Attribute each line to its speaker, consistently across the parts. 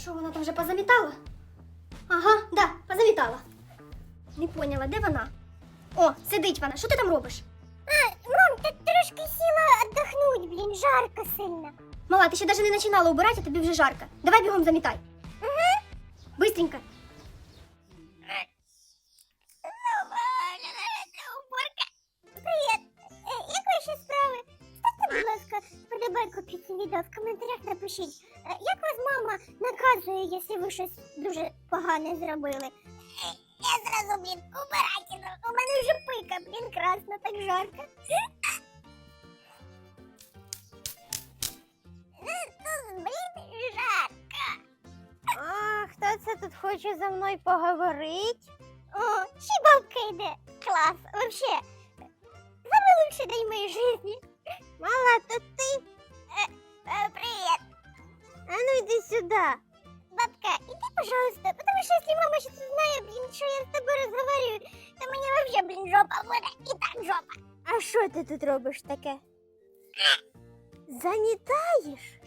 Speaker 1: Що, вона там вже позамітала? Ага, да, позамітала. Не поняла, де вона? О, сидить вона. Що ти там робиш?
Speaker 2: Мам, ты трошки села отдохнуть, блин, жарко сильно.
Speaker 1: Мала, ти ще навіть не починала убирати, а тобі вже жарко. Давай бігом замітай.
Speaker 2: Угу.
Speaker 1: Быстренько.
Speaker 2: Привіт. Як ваші справи? Ставте, будь ласка, подобайку під цим відео, в коментарях напишіть. Як вас мама наказує, якщо ви щось дуже погане зробили? Я зразу, блін, убирайте. У мене вже пика, блін, красно, так жарко. Блін, жарко. А, хто це тут хоче за мною поговорити? О, ще бабка йде. Клас, вообще. Самый лучший день моей жизни. Мала, то ты? Привет. А ну иди сюда. Бабка, иди, пожалуйста, потому что если мама сейчас узнает, блин, что я с тобой разговариваю, то мне вообще, блин, жопа будет. И так жопа. А що ти тут робиш таке? Замітаєш?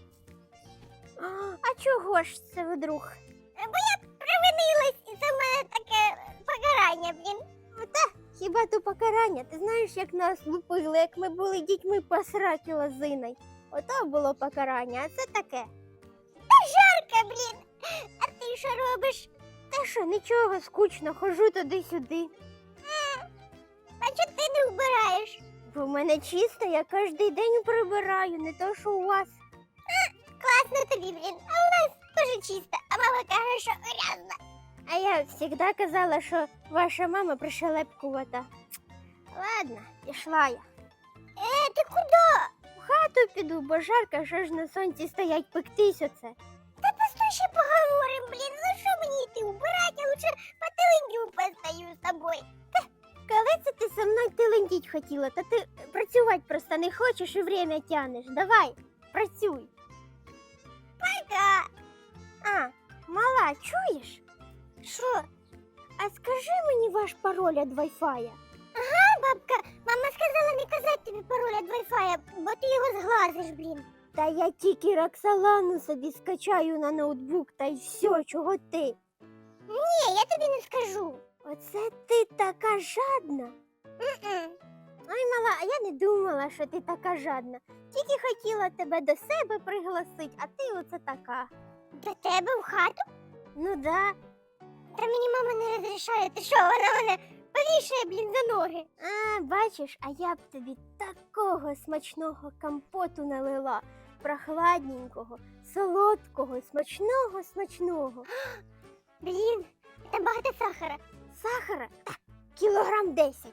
Speaker 2: А чого ж це вдруг? Бо я провинилась, і це в мене таке покарання, блін. Та, хіба то покарання? Ти знаєш, як нас лупили, як ми були дітьми по сраки лозиною. Ото було покарання, а це таке. Та жарко, блін. А ти що робиш? Та що, нічого, скучно, хожу туди-сюди. А чого ти не вбираєш? Бо в мене чисто, я кожен день прибираю, не то, що у вас. Класно тобі, блін, а у нас теж чисто, а мама каже, що грязно. А я завжди казала, що ваша мама пришелепкувата. Ладно, пішла я. Ти куди? В хату піду, бо жарко, що ж на сонці стоять пектись оце. Та постой ще поговорим, блін, ну що мені йти убирати, я лучше потеленькю постою з тобою. Коли це ти со мною телендіть хотіла, та ти працювати просто не хочеш і время тянеш. Давай, працюй. Пока. А, мала, чуєш? Що? А скажи мені ваш пароль від Wi-Fi. Ага, бабка, мама сказала не казати тобі пароль від Wi-Fi, бо ти його зглазиш, блін. Та я тільки Роксолану собі скачаю на ноутбук, та й все, чого ти? Ні, я тобі не скажу. Оце ти така жадна? Ой, мала, а я не думала, що ти така жадна. Тільки хотіла тебе до себе пригласити, а ти оце така. До тебе в хату? Ну да. Та мені мама не розрішає, ти що, вона мене повішає, блін, за ноги. А, бачиш, а я б тобі такого смачного компоту налила. Прохладненького, солодкого, смачного. Блін, це багато сахара. Сахара? Так, кілограм 10.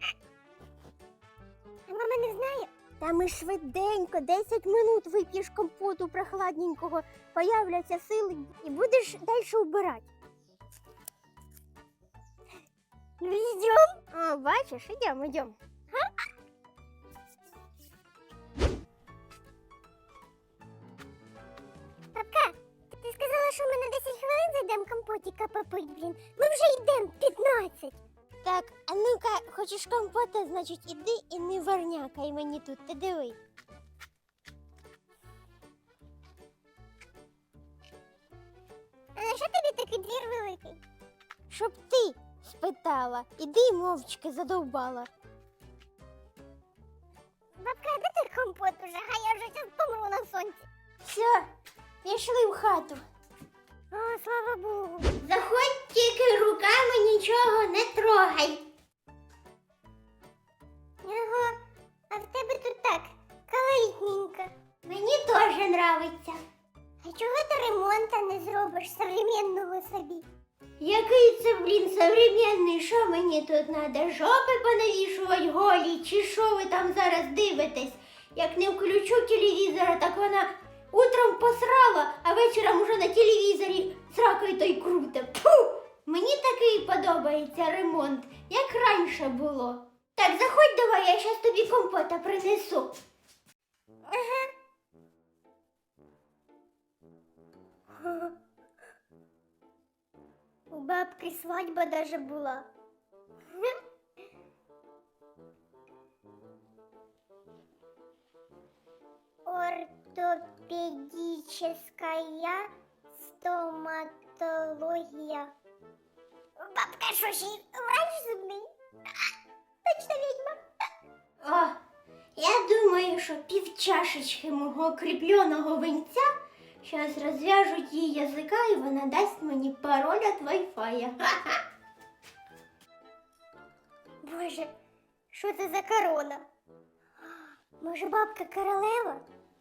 Speaker 2: А мама не знає? Та ми швиденько, 10 минут вип'єш компоту прохладненького, появляться сили і будеш далі вбирати. Ну, йдем. А, бачиш, йдем. Папка, ти сказала, що ми на 10 хвилин зайдемо компотика попить, блін. Ми вже йдемо 15. Так, а ну-ка, хочеш компота, значить іди і не варнякай мені тут, ти диви. А на що тобі такий двір великий? Щоб ти спитала, іди й мовчки задовбала. Бабка, де ти компот уже? А я вже зараз помру на сонці. Все, пішли в хату. О, слава Богу. Заходь, тільки руками нічого не трогай. Ага, а в тебе тут так, колоритненько. Мені теж нравиться. А чого ти ремонта не зробиш современного собі? Який це, блін, современний? Що мені тут треба? Жопи понавішувати голі? Чи що ви там зараз дивитесь? Як не включу телевізора, так вона утром посрала, а вечором уже на телевізорі сракою той круте. Фу! Мені такий подобається ремонт, як раніше було. Так, заходь давай, я щас тобі компота принесу. Ага. У бабки свадьба даже була. Ортопедическая Стоматологія. Бабка, що ж, врач зубний? Точно відьма.
Speaker 1: О, я думаю, що півчашечки мого кріпленого винця зараз розв'яжуть їй язика і вона дасть мені пароль від Wi-Fi.
Speaker 2: Боже, що це за корона? Може, бабка королева?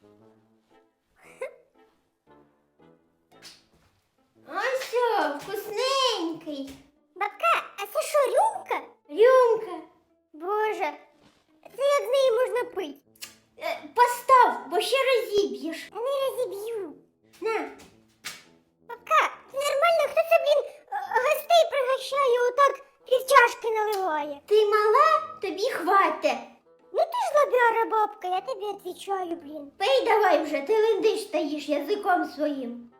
Speaker 1: Ось, вкусненький.
Speaker 2: Бабка, а це що, рюмка?
Speaker 1: Рюмка.
Speaker 2: Боже, це як з неї можна пити?
Speaker 1: Постав, бо ще розіб'єш.
Speaker 2: Я не розіб'ю.
Speaker 1: На.
Speaker 2: Бабка, це нормально, хто це, блін, гостей пригощає, отак півчашки наливає?
Speaker 1: Ти мала, тобі хвате.
Speaker 2: Ну ти ж лобяра, бабка, я тобі відповідаю, блін.
Speaker 1: Пий давай вже, ти лендиш стоїш язиком своїм.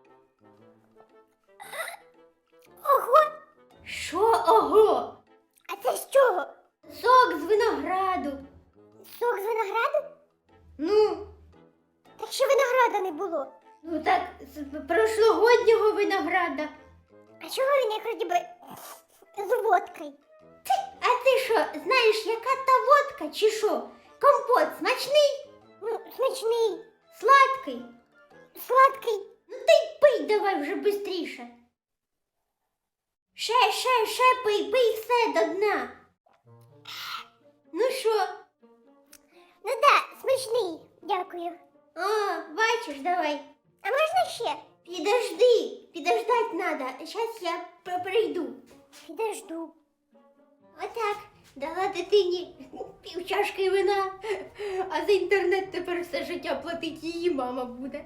Speaker 2: Ого,
Speaker 1: Що ого?
Speaker 2: а це з чого?
Speaker 1: Сок з винограду.
Speaker 2: Сок з винограду?
Speaker 1: Ну,
Speaker 2: Так що винограда не було.
Speaker 1: ну так, з прошлогоднього винограда.
Speaker 2: А чого він як вроді би з водкою?
Speaker 1: А ти що, знаєш, яка та водка чи що? Компот смачний,
Speaker 2: Ну, смачний,
Speaker 1: сладкий.
Speaker 2: сладкий.
Speaker 1: Ну ти й пий давай вже бистріше. Ще пий, пий все до дна. Ну що?
Speaker 2: Ну да, смачний, дякую.
Speaker 1: О, бачиш, давай.
Speaker 2: А можна ще?
Speaker 1: Підождать надо. Сейчас я прийду.
Speaker 2: Підожду.
Speaker 1: Отак, дала дитині півчашки вина, а за інтернет тепер все життя платить її мама буде.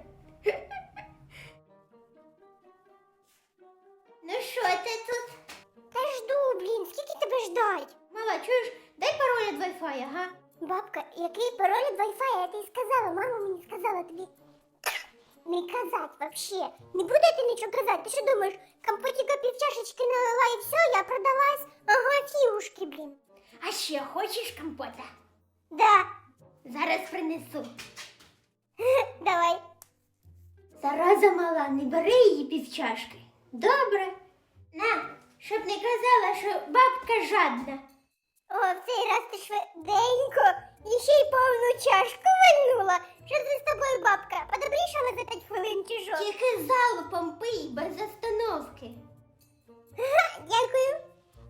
Speaker 1: Ну що ти тут?
Speaker 2: Та жду, блін, скільки тебе ждать?
Speaker 1: Мала, чуєш, дай пароль від Wi-Fi, ага?
Speaker 2: Бабка, який пароль від Wi-Fi, я тобі сказала, мама мені сказала тобі не казать вообще. Не буду я тобі нічого казати, ти що думаєш, компотіка півчашечки налила і все, я продалась? Ага, фігушки, блін.
Speaker 1: А ще хочеш компота?
Speaker 2: Да,
Speaker 1: Зараз принесу.
Speaker 2: давай.
Speaker 1: Зараза мала, не бери її півчашки. Добре. На, щоб не казала, що бабка жадна.
Speaker 2: О, в цей раз ти швиденько і ще й повну чашку вальнула. Що це з тобою, бабка? Подобрішала за 5 хвилин чи що?
Speaker 1: Тільки залпом пий, без остановки.
Speaker 2: Дякую.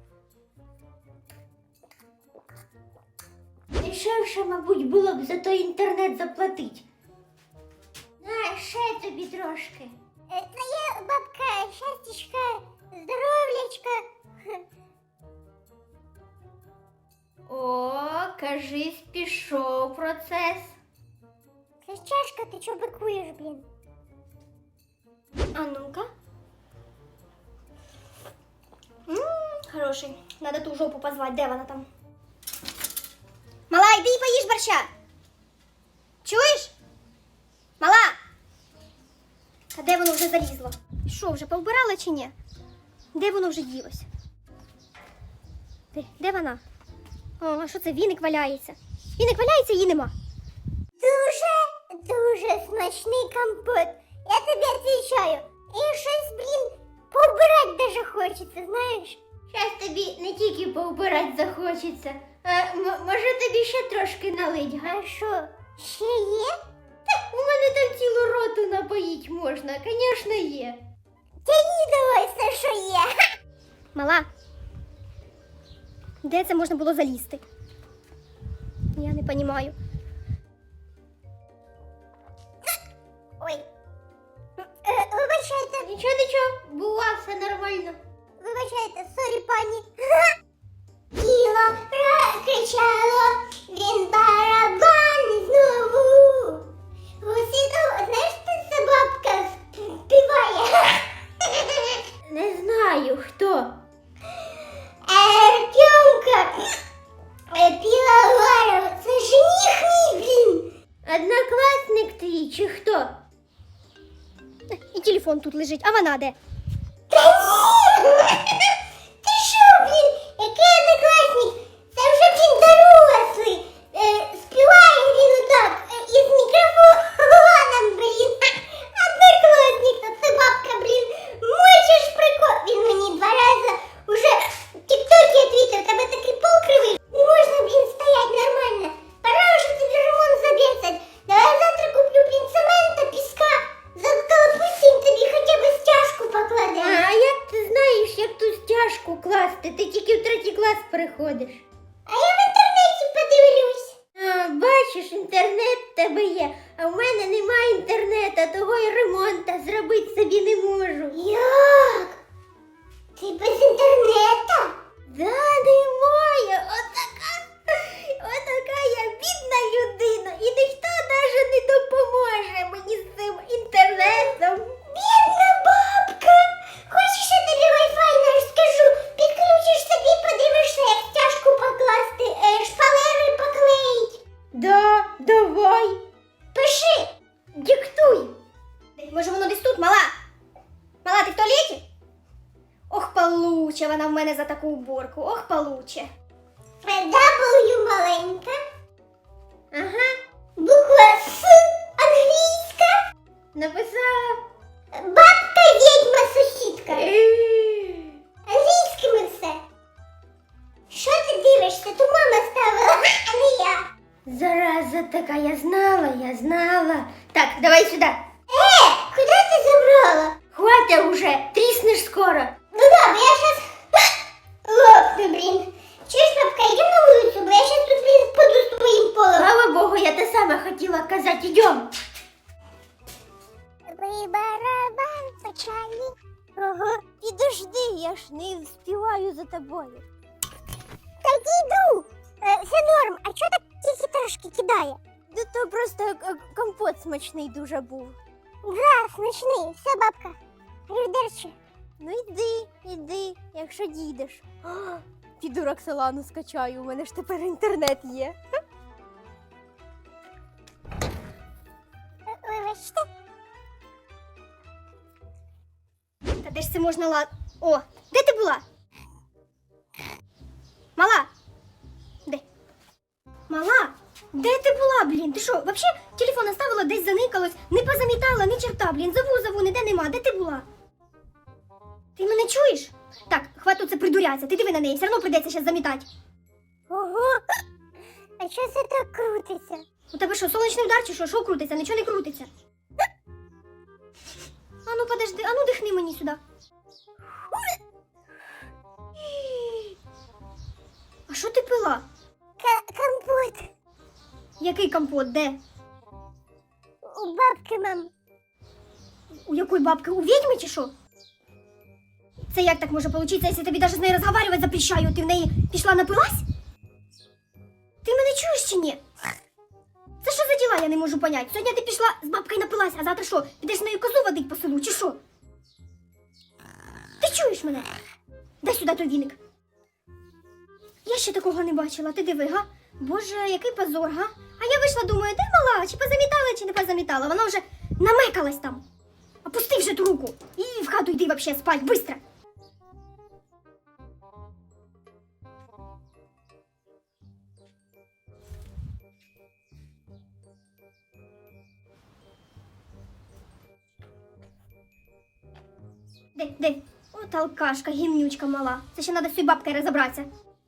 Speaker 1: Дешевше, мабуть, було б за той інтернет заплатить. На, ще тобі трошки.
Speaker 2: Твоя бабка, щастячка, здоров'ячка.
Speaker 1: О, кажись, пішов процес.
Speaker 2: Це ж чашка, ти чого бикуєш, блін?
Speaker 1: А ну-ка. Хороший. Надо ту жопу позвать, де вона там? Мала, йди і поїж борща. Чуєш? Мала! А де воно вже залізло? Що, вже повбирала чи ні? Де воно вже ділося? Де вона? О, а що це, віник валяється? Віник валяється, її нема.
Speaker 2: Дуже смачний компот. Я тобі відповідаю. І щось, блін, поубирати даже хочеться, знаєш?
Speaker 1: Щас тобі не тільки повбирати захочеться. А, може тобі ще трошки налить, га?
Speaker 2: А що, ще є?
Speaker 1: У мене там цілу роту напоїть можна, звісно, є.
Speaker 2: Тяні давай все, що є.
Speaker 1: Мала, де це можна було залізти? Я не розумію.
Speaker 2: Ой. Вибачайте,
Speaker 1: Нічого, бува, все нормально.
Speaker 2: вибачайте, сорі, пані. Тіло розкричало, він барабан знову. Гусіто, знаєш, це бабка співає.
Speaker 1: Не знаю, хто.
Speaker 2: Артемка Піловаров, це жених мій, блін.
Speaker 1: Однокласник твій чи хто? І телефон тут лежить, а вона де?
Speaker 2: Та ні! Ти що, блін, який однокласник? Це вже, блін, дорослий. Співає він отак, із мікрофоном, блін. Однокласник, то це бабка, блін, заходиш?
Speaker 1: А я в інтернеті подивлюсь.
Speaker 2: А, бачиш, інтернет в тебе є, а в мене немає інтернету, того й ремонта зробити собі не можу.
Speaker 1: Як? Ти без інтернету?
Speaker 2: Да, немає. Отака я бідна людина, і ніхто навіть не допоможе мені з цим інтернетом.
Speaker 1: Бідна бабка. Хочеш, я тобі Wi-Fi не розкажу? Підключиш собі, подивишся, як стяжку покласти, шпалери поклеїть.
Speaker 2: Да, давай.
Speaker 1: Пиши.
Speaker 2: Диктуй.
Speaker 1: Може воно десь тут, мала? Мала, ти в туалеті? Ох, получе вона в мене за таку уборку. Ох, получе. W маленька.
Speaker 2: Ага,
Speaker 1: Буква С англійська.
Speaker 2: написала.
Speaker 1: Бабка, відьма, сусідка. Англійськими все. Що ти дивишся? То мама ставила, а не я.
Speaker 2: Зараза така, я знала. Так, давай сюди.
Speaker 1: Куди ти забрала?
Speaker 2: Хватит уже, тріснеш скоро.
Speaker 1: Ну да, бо я щас лопну, блін. Чуєш, бабка, йдемо на вулицю, бо я щас тут, блін, впаду з твоїм полом.
Speaker 2: Слава Богу, я те саме хотіла казати, йдем.
Speaker 1: Ви барабан почали.
Speaker 2: Ага, підожди, я ж не встигаю за тобою.
Speaker 1: Так іду. Все норм, а чого так тільки трошки кидає?
Speaker 2: Да то просто компот смачний дуже був.
Speaker 1: Да, смачний. Все, бабка. Рюдерче.
Speaker 2: Ну йди, якщо дійдеш. Піду Роксолану скачаю, у мене ж тепер інтернет є.
Speaker 1: Вибачте. Та де ж це можна О, де ти була? Мала? Де? Мала? Де ти була, блін? Ти що, вообще телефон оставила, десь заникалось, не позамітала, ні черта, блін, зову, ніде нема. Де ти була? Ти мене чуєш? Так, хватить це придурятися, ти диви на неї, все одно прийдеться зараз замітати.
Speaker 2: Ого,
Speaker 1: А що це так крутиться? У тебе що, сонячний удар чи що? Що крутиться? Нічого не крутиться. А ну подожди, а ну дихни мені сюди. А що ти пила? Компот. Який компот? Де? У бабки, мам. У якої бабки? У відьми чи що? Це як так може получиться, якщо тобі навіть з нею розмовляти запрещаю? Ти в неї пішла напилась? Ти мене чуєш чи ні? Це що за діла, я не можу поняти. Сьогодні ти пішла з бабкою напилась, а завтра що? Підеш з нею козу водить по селу, чи що? Ти чуєш мене? Дай сюди той віник. Я ще такого не бачила, ти диви, га? Боже, який позор, га? А я вийшла, думаю, де мала, чи позамітала, чи не позамітала. Вона вже намекалась там. Опусти вже ту руку. І в хату йди вообще спать, быстро. Де? От алкашка, гімнючка мала. Це ще треба з цією бабкою розібратися.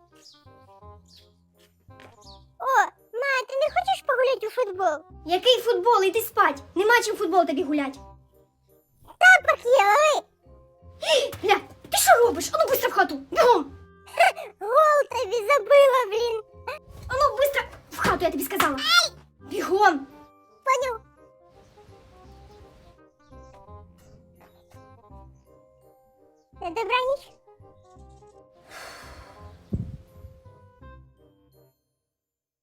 Speaker 1: О, ма, ти не хочеш погуляти у футбол? Який футбол? Іди спать. Нема чим футбол тобі гулять. Тапок є, ой. Гля, ти що робиш? Ану, быстро в хату. Бігом. Гол тобі забила, блін. Ану, быстро в хату, я тобі сказала. Бігом. Понял. Добраніч.